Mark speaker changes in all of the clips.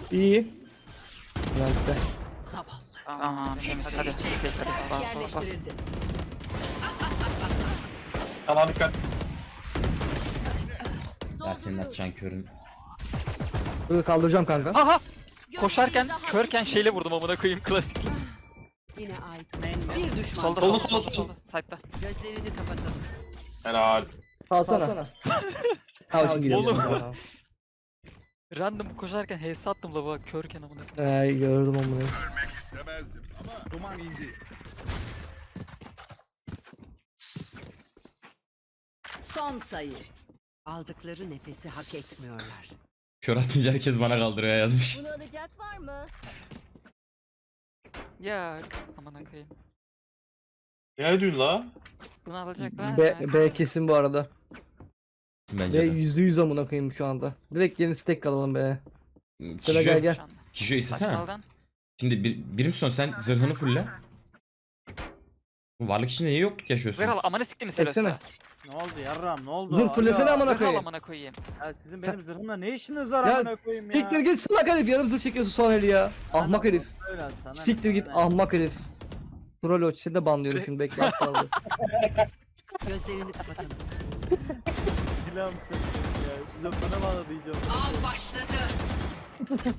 Speaker 1: İyi. Bülent'te.
Speaker 2: Tamam temiz hadi. Test hadi. Bas bas bas.
Speaker 3: Tamam dikkat.
Speaker 4: Ya senin atacağın körün.
Speaker 1: Dur kaldıracağım kanka.
Speaker 2: Aha! Koşarken körken şeyle vurdum amına koyayım klasik.
Speaker 5: Yine ait. Bir düşman.
Speaker 2: Solda
Speaker 3: Solda,
Speaker 2: solda
Speaker 3: solda,
Speaker 2: solda solda. Side'da.
Speaker 5: Gözlerini kapatın.
Speaker 3: Helal.
Speaker 1: Salsana. Al şimdi
Speaker 2: Oğlum.
Speaker 1: gidelim.
Speaker 2: Random koşarken HS attım lavuğa körken amına koyayım.
Speaker 1: Gördüm onu.
Speaker 6: İstemezdim ama duman indi.
Speaker 5: Son sayı. Aldıkları nefesi hak etmiyorlar.
Speaker 4: Kör atınca herkes bana kaldırıyor yazmış.
Speaker 7: Bunu alacak var mı?
Speaker 2: Ya amına koyayım.
Speaker 3: Ne diyorsun la?
Speaker 2: Bunu alacaklar.
Speaker 1: B kesin bu arada.
Speaker 4: Bence
Speaker 1: B
Speaker 4: de.
Speaker 1: %100 amına koyayım şu anda. Direkt yeni stack alalım be. Sıra
Speaker 4: Kişo,
Speaker 1: gel.
Speaker 4: Kişo istesene.
Speaker 2: Saçmaldan.
Speaker 4: Şimdi Brimstone sen zırhını fulle. Varlık içinde niye yokluk yaşıyorsun?
Speaker 2: Ver al amına siktim
Speaker 1: Çeksene.
Speaker 2: mesela.
Speaker 8: Ne oldu yarram ne oldu?
Speaker 1: Dur fullesene amına
Speaker 2: Zırh al
Speaker 1: koyayım.
Speaker 2: amına koyayım.
Speaker 8: Ya sizin benim zırhımla ne işiniz var
Speaker 1: Ya
Speaker 8: amına koyayım ya?
Speaker 1: siktir git salak herif, yarım zırh çekiyorsun son eli ya. Ahmak herif.
Speaker 8: Öyle sana ne,
Speaker 1: Siktir git
Speaker 8: sana ne?
Speaker 1: ahmak herif. Troll seni de banlıyorum şimdi, bekle az kaldı.
Speaker 5: Gözlerini kapatın.
Speaker 8: Silahım kaçtı ya. Şizofrene bağladı iyice.
Speaker 5: Av başladı.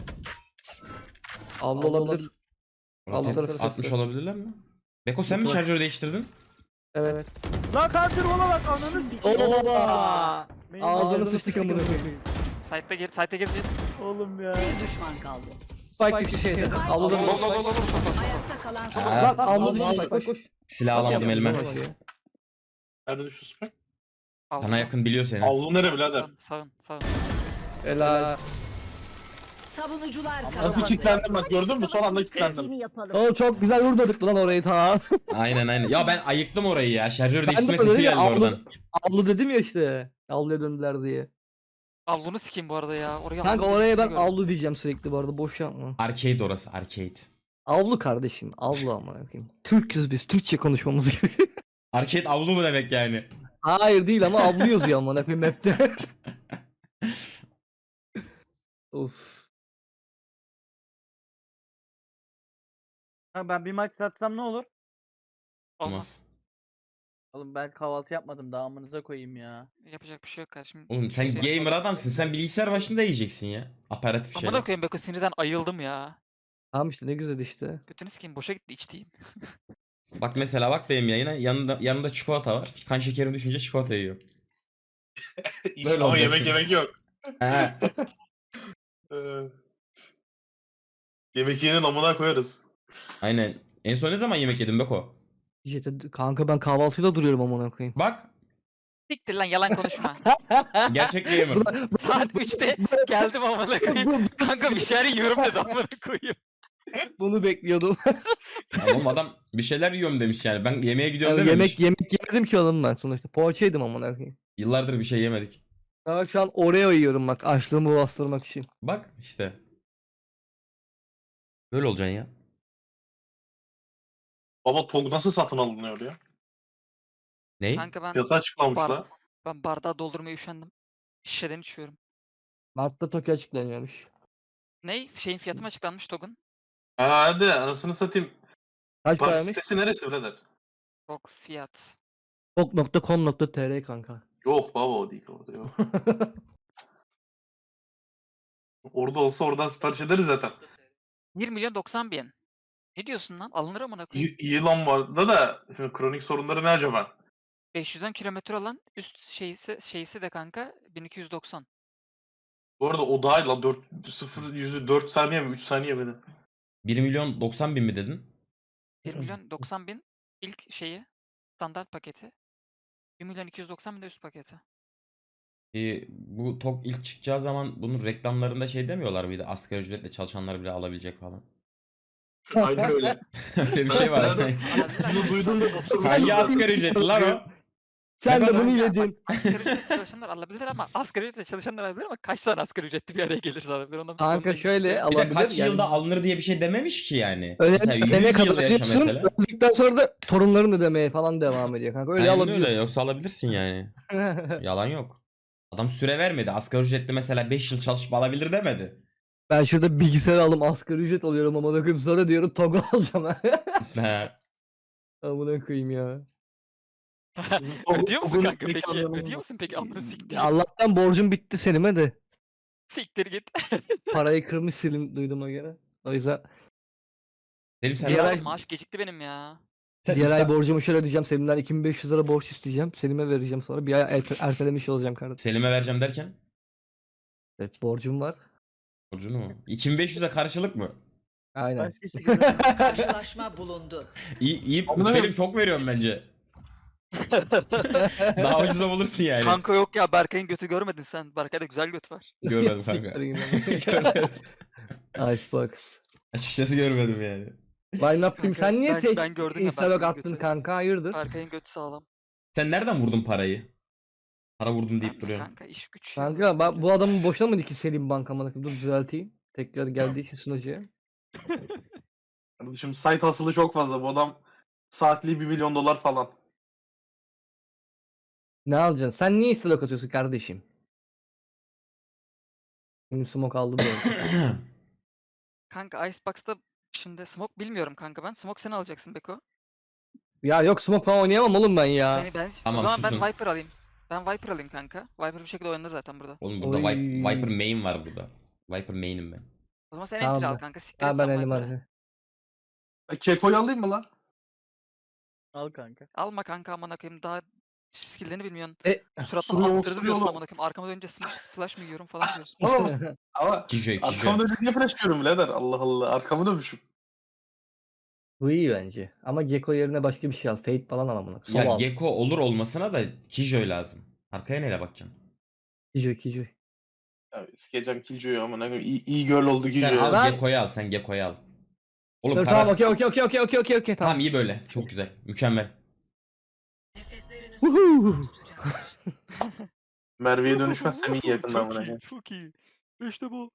Speaker 1: Avlu olabilir.
Speaker 4: Rotate
Speaker 1: Aldılar sesi.
Speaker 4: 60 olabilirler mi? Beko sen mi şarjörü değiştirdin?
Speaker 1: Evet.
Speaker 8: Lan kanser ola bak ananı
Speaker 1: Oba!
Speaker 8: Benim
Speaker 1: Ağzını sıçtık amına koyayım.
Speaker 2: Side'da gir, side'da gir.
Speaker 8: Oğlum ya.
Speaker 5: Bir düşman kaldı.
Speaker 1: Spike bir şeydi. Avluda
Speaker 2: Lol lol lol lol.
Speaker 5: Ayakta kalan son.
Speaker 4: Ha.
Speaker 1: Lan avluda koş.
Speaker 4: Silah alamadım elime.
Speaker 3: Nerede düştü Spike?
Speaker 4: Sana yakın biliyor seni.
Speaker 3: Avlu nere birader?
Speaker 2: Sağın.
Speaker 1: Helal.
Speaker 5: Savunucular
Speaker 3: Nasıl
Speaker 5: kazandı.
Speaker 3: kilitlendim bak, gördün mü? Son anda kilitlendim.
Speaker 7: Seni yapalım.
Speaker 1: Oğlum çok güzel vurdurduk lan orayı ta.
Speaker 4: Aynen. Ya ben ayıktım orayı ya. Şarjör
Speaker 1: Ben de
Speaker 4: değiştirme
Speaker 1: öyle
Speaker 4: sesi
Speaker 1: ya,
Speaker 4: geldi oradan.
Speaker 1: Avlu dedim ya işte. Avluya döndüler diye.
Speaker 2: Avlunu sikeyim bu arada ya. Oraya
Speaker 1: Kanka
Speaker 2: avlunu
Speaker 1: oraya ben
Speaker 2: sikeyim gördüm.
Speaker 1: avlu diyeceğim sürekli bu arada, boş yapma.
Speaker 4: Arcade orası, arcade.
Speaker 1: Avlu kardeşim, avlu amına koyayım. Türküz biz, Türkçe konuşmamız gerekiyor.
Speaker 4: Arcade avlu mu demek yani?
Speaker 1: Hayır değil ama avlu yazıyor amına koyayım map'te. Of.
Speaker 8: Ha, ben bir maç satsam ne olur?
Speaker 2: Olmaz.
Speaker 8: Oğlum ben kahvaltı yapmadım daha amınıza koyayım ya.
Speaker 2: Yapacak bir şey yok kardeşim.
Speaker 4: Oğlum sen gamer adamsın. Sen bilgisayar başında yiyeceksin ya. Aparatif
Speaker 2: Amına
Speaker 4: şeyler.
Speaker 2: koyayım Beko sinirden ayıldım ya.
Speaker 1: Tamam işte, ne güzel işte.
Speaker 2: Götünü sikeyim boşa gitti içtiğim.
Speaker 4: Bak mesela bak benim yayına. Yanında çikolata var. Kan şekerim düşünce çikolata yiyor. Böyle
Speaker 3: Ama
Speaker 4: olacaksın.
Speaker 3: yemek yok.
Speaker 4: He.
Speaker 3: Ee, Yemek yiyenin amına koyarız.
Speaker 4: Aynen. En son ne zaman yemek yedin Beko?
Speaker 1: Kanka ben kahvaltıyla duruyorum amına koyayım.
Speaker 4: Bak.
Speaker 2: Siktir lan yalan konuşma.
Speaker 4: Gerçek gamer.
Speaker 2: Saat 3'te geldim amına koyayım. Kanka bir şeyler yiyorum dedi amına koyayım.
Speaker 1: Bunu bekliyordum.
Speaker 4: Oğlum adam bir şeyler yiyorum demiş yani. Ben yemeğe gidiyorum
Speaker 1: Yani
Speaker 4: dememiş.
Speaker 1: yemek yemedim ki oğlum ben sonuçta. Poğaça yedim amına koyayım.
Speaker 4: Yıllardır bir şey yemedik.
Speaker 1: Daha şu an Oreo yiyorum bak, açlığımı bastırmak için.
Speaker 4: Bak işte. Böyle olacaksın ya.
Speaker 3: Baba TOG nasıl satın alınıyor ya?
Speaker 4: Ney?
Speaker 2: Kanka ben
Speaker 3: Fiyatı açıklamış
Speaker 2: Bar-
Speaker 3: la.
Speaker 2: ben bardağı doldurmaya üşendim. Şişeden içiyorum.
Speaker 1: Mart'ta Tokyo açıklanıyormuş.
Speaker 2: Ney? Şeyin fiyatı mı açıklanmış TOG'un?
Speaker 3: Ha hadi anasını satayım.
Speaker 1: Kaç
Speaker 3: Park
Speaker 1: paraymış?
Speaker 3: sitesi neresi birader?
Speaker 2: TOG fiyat.
Speaker 1: Tok.com.tr kanka.
Speaker 3: Yok baba, o değil orada yok. Orada olsa oradan sipariş ederiz zaten.
Speaker 2: 1 milyon 90 bin. Ne diyorsun lan? Alınır amına koyayım.
Speaker 3: İyi lan var da şimdi kronik sorunları ne acaba?
Speaker 2: 510 kilometre olan üst şeysi de kanka 1290.
Speaker 3: Bu arada o dahil lan 4 saniye mi 3 saniye mi?
Speaker 4: 1 milyon 90 bin mi dedin?
Speaker 2: 1 milyon 90 bin ilk şeyi standart paketi. 1 milyon 290 bin de üst paketi.
Speaker 4: Bu TOG ilk çıkacağı zaman bunun reklamlarında şey demiyorlar mıydı? Asgari ücretle çalışanlar bile alabilecek falan.
Speaker 3: Aynen öyle.
Speaker 4: Öyle bir şey var.
Speaker 3: Bunu duydum da
Speaker 4: Hangi asgari ücretli lan o?
Speaker 1: Sen
Speaker 4: Ne
Speaker 1: de
Speaker 4: kadar?
Speaker 1: bunu
Speaker 2: Ya
Speaker 1: yedin.
Speaker 2: bak, asgari ücretli çalışanlar alabilir ama asgari ücretli çalışanlar alabilir ama kaç tane asgari ücretli bir araya gelirse alabilir. Ondan
Speaker 1: Kanka şöyle
Speaker 4: Bir de
Speaker 1: alabilir.
Speaker 4: kaç
Speaker 1: yani.
Speaker 4: yılda alınır diye bir şey dememiş ki yani.
Speaker 1: Öyle
Speaker 4: Mesela
Speaker 1: ölene
Speaker 4: 100
Speaker 1: kadar
Speaker 4: yıl yaşa
Speaker 1: ödüyorsun.
Speaker 4: mesela.
Speaker 1: Öldükten sonra da torunların ödemeye falan devam ediyor kanka. Öyle
Speaker 4: Aynen
Speaker 1: alabiliyorsun.
Speaker 4: öyle, yoksa alabilirsin yani. Yalan yok. Adam süre vermedi. Asgari ücretli mesela 5 yıl çalışıp alabilir demedi.
Speaker 1: Ben şurada bilgisayar aldım, asgari ücret alıyorum ama koyayım, sonra diyorum Togo alacağım ha.
Speaker 4: He.
Speaker 1: Amına koyayım ya.
Speaker 2: Ödüyor musun
Speaker 3: Togo'nun
Speaker 2: kanka peki?
Speaker 3: mekanlarına
Speaker 2: Ödüyor
Speaker 3: bak.
Speaker 2: musun peki? Amına siktir.
Speaker 1: Ya Allah'tan borcum bitti Selim'e de.
Speaker 2: Siktir git.
Speaker 1: Parayı kırmış Selim duyduğuma göre. O yüzden
Speaker 4: Selim sen
Speaker 1: Diğer
Speaker 4: daha-
Speaker 1: ay-
Speaker 2: Oğlum maaş gecikti benim ya.
Speaker 4: sen
Speaker 1: diğer ay
Speaker 4: iddia-
Speaker 1: borcumu şöyle ödeyeceğim. Selim'den 2500 lira borç isteyeceğim. Selim'e vereceğim sonra. Bir ay ertelemiş olacağım kardeşim.
Speaker 4: Selim'e vereceğim derken
Speaker 1: Evet, borcum var.
Speaker 4: borcunu mu? 2500'e karşılık mı?
Speaker 1: Aynen.
Speaker 8: Başka şekilde.
Speaker 5: Karşılaşma bulundu.
Speaker 4: İyi
Speaker 3: Amına
Speaker 4: Selim çok veriyorum bence. Daha ucuza bulursun yani.
Speaker 2: Kanka yok ya, Berkay'ın götü görmedin sen. Berkay'da güzel göt var.
Speaker 4: Görmedim kanka.
Speaker 1: Siktir git lan.
Speaker 4: Görmedim.
Speaker 1: Icebox.
Speaker 4: Açıkçası görmedim yani.
Speaker 1: Why not bileyim. Sen niye
Speaker 2: ben gördüm ya
Speaker 1: Instagram
Speaker 2: Berkay'ın
Speaker 1: attın
Speaker 2: götü.
Speaker 1: kanka? Hayırdır?
Speaker 2: Berkay'ın götü sağlam.
Speaker 4: Sen nereden vurdun parayı? Para vurdum deyip
Speaker 2: Kanka,
Speaker 4: duruyorsun.
Speaker 2: kanka iş güç.
Speaker 1: Kanka bu adamın boşuna mı ki Selim bankamana? Dur düzelteyim. Tekrar geldiği için sunucuya.
Speaker 3: Kardeşim site hasılı çok fazla. Bu adam saatliği 1 milyon dolar falan.
Speaker 1: Ne alacaksın? Sen niye istilok atıyorsun kardeşim? Benim smoke aldı bu arada.
Speaker 2: Kanka Icebox'ta şimdi Smoke bilmiyorum kanka ben. Smoke sen alacaksın Beko.
Speaker 1: Ya yok smoke falan oynayamam oğlum ben ya.
Speaker 4: Tamam,
Speaker 2: o zaman ben
Speaker 4: susun.
Speaker 2: Viper alayım. Ben Viper alayım kanka. Viper bir şekilde oynadı zaten burada.
Speaker 4: Oğlum burada
Speaker 1: Oy.
Speaker 4: Viper main var burada. Viper main'im ben.
Speaker 2: O zaman sen
Speaker 1: Tamam
Speaker 2: enter al
Speaker 1: be.
Speaker 2: kanka. Siktir
Speaker 1: Ha
Speaker 2: et
Speaker 1: ben
Speaker 2: sen
Speaker 1: elim
Speaker 2: Viper'ı.
Speaker 1: hadi.
Speaker 3: Keko'yu alayım mı lan?
Speaker 8: Al kanka.
Speaker 2: Alma kanka amına koyayım, daha skill'lerini bilmiyorsun.
Speaker 1: E,
Speaker 2: Suratına
Speaker 3: sürüyor,
Speaker 2: attırdı
Speaker 3: sürüyor
Speaker 2: diyorsun
Speaker 3: lan.
Speaker 2: amına koyayım. Arkama dönünce flash mı yiyorum falan diyorsun.
Speaker 3: Tamam. Ama
Speaker 4: Kijoy
Speaker 3: arkamı dönüp niye flash diyorum birader? Allah Allah. Arkamı dönmüşüm.
Speaker 1: Bu iyi bence. Ama Gecko yerine başka bir şey al. Fate falan al amına. Sol
Speaker 4: Ya
Speaker 1: al.
Speaker 4: Gecko olur olmasına da Kijoy lazım. Arkaya neyle bakacaksın?
Speaker 1: Kijoy.
Speaker 3: Abi sikeceğim Killjoy'u ama ne iyi girl oldu
Speaker 4: Sen
Speaker 3: Killjoy.
Speaker 4: al
Speaker 1: Ben-
Speaker 4: Gecko'yu al, sen Gecko'yu al. Oğlum
Speaker 1: Dur
Speaker 4: karar...
Speaker 1: tamam okey
Speaker 4: Tamam
Speaker 1: tamam.
Speaker 4: iyi böyle. Çok güzel. Mükemmel.
Speaker 1: Woohoo.
Speaker 3: Merve'ye dönüşmezsem iyi yakından buna. ya.
Speaker 2: Çok iyi. İşte bu.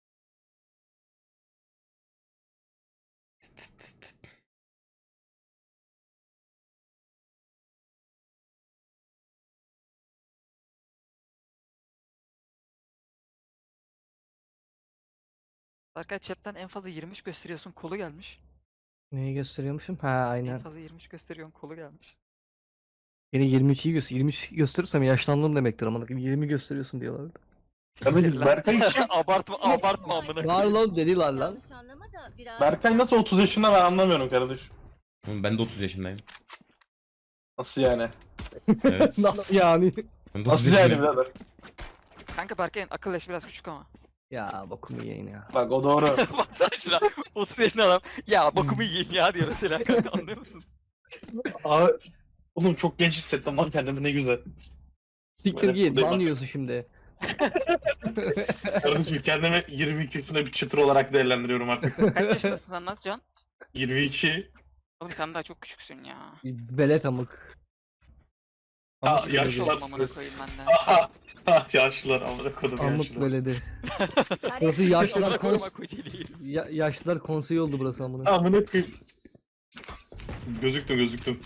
Speaker 2: Berkay chatten en fazla 23 gösteriyorsun, kolu gelmiş.
Speaker 1: Neyi gösteriyormuşum? Ha
Speaker 2: En
Speaker 1: aynen.
Speaker 2: fazla 23 gösteriyorsun, kolu gelmiş.
Speaker 1: Beni 23 iyi göster. 23 gösterirsem yaşlandım demektir amına koyayım. 20 gösteriyorsun diyorlardı.
Speaker 3: Kardeşim Berkay kim?
Speaker 2: abartma amına.
Speaker 1: Var lan deliler lan.
Speaker 5: Yanlış anlama da biraz.
Speaker 3: Berkay nasıl 30 yaşında ben anlamıyorum kardeşim.
Speaker 4: Oğlum ben de 30 yaşındayım.
Speaker 3: Nasıl yani?
Speaker 4: Evet.
Speaker 1: Nasıl yani?
Speaker 4: Ben de 30
Speaker 3: Nasıl yani
Speaker 4: yaşındayım.
Speaker 3: birader?
Speaker 2: Kanka Berkay'ın akıl yaşı biraz küçük ama.
Speaker 1: Ya bokumu yiyin ya.
Speaker 3: Bak o doğru.
Speaker 2: Baksana şuna. 30 yaşında adam. Ya bokumu yiyin ya diyor mesela kanka, anlıyor musun?
Speaker 3: Abi, oğlum çok genç hissettim lan kendimi ne güzel.
Speaker 1: Siktir
Speaker 3: Böyle
Speaker 1: git.
Speaker 3: buradayım
Speaker 1: Ban
Speaker 3: bak.
Speaker 1: yiyorsun şimdi.
Speaker 3: Kardeşim kendimi 22 yaşında bir çıtır olarak değerlendiriyorum artık.
Speaker 2: Kaç yaşındasın sen Nazcan?
Speaker 3: 22.
Speaker 2: Oğlum sen daha çok küçüksün ya.
Speaker 1: Belet amık.
Speaker 3: Ha,
Speaker 1: Amık
Speaker 3: yaşlı
Speaker 1: beledi.
Speaker 2: Yaşlı
Speaker 3: lan.
Speaker 2: oldum amına koyayım ben de.
Speaker 3: Aha. Yaşlılar amına kodum
Speaker 1: Amık
Speaker 3: yaşlılar.
Speaker 1: beledi. Burası yaşlılar
Speaker 2: Amına koyayım
Speaker 1: kons...
Speaker 2: Kocaeli'yi.
Speaker 1: Yaşlılar konseyi oldu burası amına.
Speaker 3: Amına koyayım. Gözüktüm.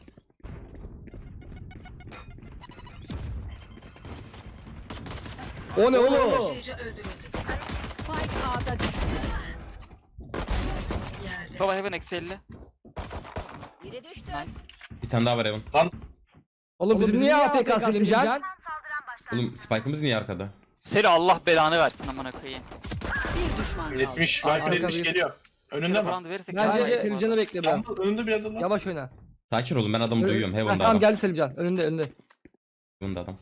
Speaker 1: O ne oğlum?
Speaker 5: Spike A'da düştü.
Speaker 2: Baba Heaven eksi 50.
Speaker 5: Biri düştü.
Speaker 2: Nice.
Speaker 4: Bir tane daha var Evan.
Speaker 1: Oğlum bizim niye AFK Selimcan?
Speaker 4: Oğlum Spike'ımız niye arkada?
Speaker 2: Seni Allah belanı versin amına koyayım.
Speaker 5: Bir düşman kaldı.
Speaker 3: 70.
Speaker 1: Arka
Speaker 3: Viper 70
Speaker 1: bir-
Speaker 3: geliyor. Önünde mi?
Speaker 2: Round verirsek
Speaker 1: Bence
Speaker 2: yapamayız bu
Speaker 1: Selimcan'ı
Speaker 2: arada.
Speaker 1: bekle biraz.
Speaker 3: Önünde bir adam lan.
Speaker 1: Yavaş oyna.
Speaker 4: Sakin olun ben adamı
Speaker 1: Öyle-
Speaker 4: duyuyorum.
Speaker 1: Ha,
Speaker 4: Heaven'da
Speaker 1: tamam
Speaker 4: adam.
Speaker 1: geldi Selimcan. Önünde.
Speaker 4: Heaven'da adam.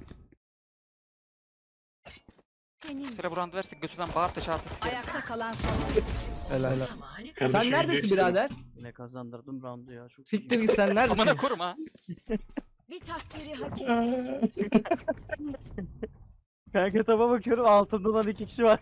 Speaker 2: Sıra bu round verirsek götünden bağır da çarpı sikerim.
Speaker 5: Ayakta kalan son.
Speaker 1: Helal.
Speaker 3: Kardeşim,
Speaker 1: Sen neredesin
Speaker 3: geçtim.
Speaker 1: birader?
Speaker 8: Yine kazandırdım roundu ya. Çok
Speaker 1: Siktir git sen neredesin?
Speaker 2: Amına korum ha.
Speaker 5: Bir takdiri hak etti.
Speaker 8: Kanka taba bakıyorum altımda lan 2 kişi var.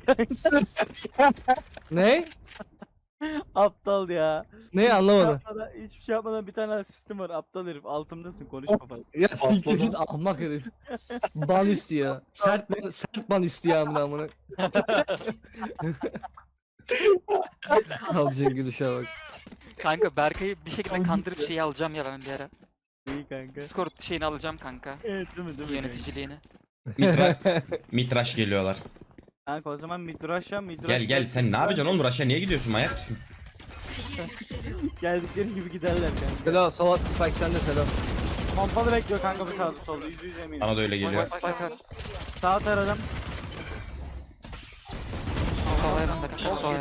Speaker 1: Ne?
Speaker 8: Aptal ya.
Speaker 1: Ne anlamadım.
Speaker 8: Hiçbir şey yapmadan bir tane asistim var. Aptal herif. Altımdasın konuşma falan.
Speaker 1: Ya siktir
Speaker 3: Atladım.
Speaker 1: git ahmak herif. Ban istiyor. Sert ban istiyor amına. Alacağın gülüşe bak.
Speaker 2: Kanka Berkay'ı bir şekilde kandırıp şeyi alacağım ya ben bir ara.
Speaker 8: İyi kanka.
Speaker 2: Discord şeyini alacağım kanka.
Speaker 8: Evet değil mi?
Speaker 2: Yöneticiliğini.
Speaker 4: Mitraş geliyorlar.
Speaker 8: Kanka o zaman midraşa
Speaker 4: Gel gel sen ne yapacaksın oğlum? Rush'a niye gidiyorsun? Manyak mısın?
Speaker 8: Geldikleri gibi giderler kanka.
Speaker 1: Selo Salat Spike sende Selo.
Speaker 8: Pompalı bekliyor kanka bu sağda solda %100 eminim.
Speaker 4: Bana da öyle geliyor.
Speaker 2: Spike var.
Speaker 8: Sağ taradım.
Speaker 2: Sol ayarında. Sol